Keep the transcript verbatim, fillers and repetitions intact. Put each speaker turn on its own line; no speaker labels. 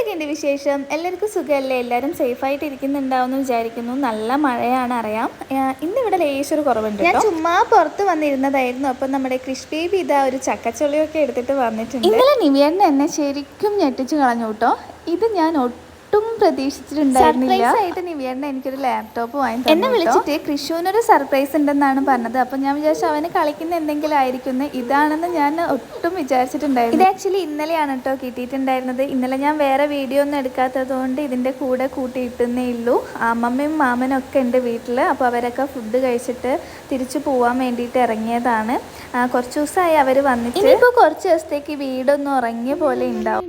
എന്തൊക്കെയുണ്ട് വിശേഷം? എല്ലാവർക്കും സുഖമല്ലേ? എല്ലാവരും സേഫായിട്ട് ഇരിക്കുന്നുണ്ടാവുമെന്ന് വിചാരിക്കുന്നു. നല്ല മഴയാണ് അറിയാം. ഇന്നിവിടെ ലേശൊരു കുറവുണ്ട്. ഞാൻ ചുമ്മാ പുറത്ത് വന്നിരുന്നതായിരുന്നു. അപ്പം നമ്മുടെ ക്രിഷ് ബേബി ഇതാ ഒരു ചക്കച്ചുള്ളിയൊക്കെ എടുത്തിട്ട് വന്നിട്ടുണ്ട്. ഇന്നലെ നിവിയേട്ടൻ എന്നെ ശരിക്കും ഞെട്ടിച്ച് കളഞ്ഞു കേട്ടോ. ഇത് ഞാൻ ഒട്ടും പ്രതീക്ഷിച്ചിട്ടുണ്ടായിരുന്നില്ല. സർപ്രൈസ് ആയിട്ട് നിവിയേട്ടൻ എനിക്കൊരു ലാപ്ടോപ്പ് വാങ്ങി തന്നു. എന്നെ വിളിച്ചിട്ട് കൃഷുവിനൊരു സർപ്രൈസ് ഉണ്ടെന്നാണ് പറഞ്ഞത്. അപ്പം ഞാൻ വിചാരിച്ചു അവന് കളിക്കുന്ന എന്തെങ്കിലും ആയിരിക്കുന്നു. ഇതാണെന്ന് ഞാൻ ഒട്ടും വിചാരിച്ചിട്ടുണ്ടായിരുന്നു. ഇത് ആക്ച്വലി ഇന്നലെയാണ് കേട്ടോ കിട്ടിയിട്ടുണ്ടായിരുന്നത്. ഇന്നലെ ഞാൻ വേറെ വീഡിയോ ഒന്നും എടുക്കാത്തത് കൊണ്ട് ഇതിൻ്റെ കൂടെ കൂട്ടിയിട്ടേ ഉള്ളൂ. അമ്മമ്മയും മാമനും ഒക്കെ ഉണ്ട് വീട്ടിൽ. അപ്പോൾ അവരൊക്കെ ഫുഡ് കഴിച്ചിട്ട് തിരിച്ചു പോകാൻ വേണ്ടിയിട്ട് ഇറങ്ങിയതാണ്. കുറച്ച് ദിവസമായി അവർ വന്നിട്ട്. ഇനിയിപ്പോൾ കുറച്ച് ദിവസത്തേക്ക് വീടൊന്നും ഉറങ്ങിയ പോലെ ഉണ്ടാവും.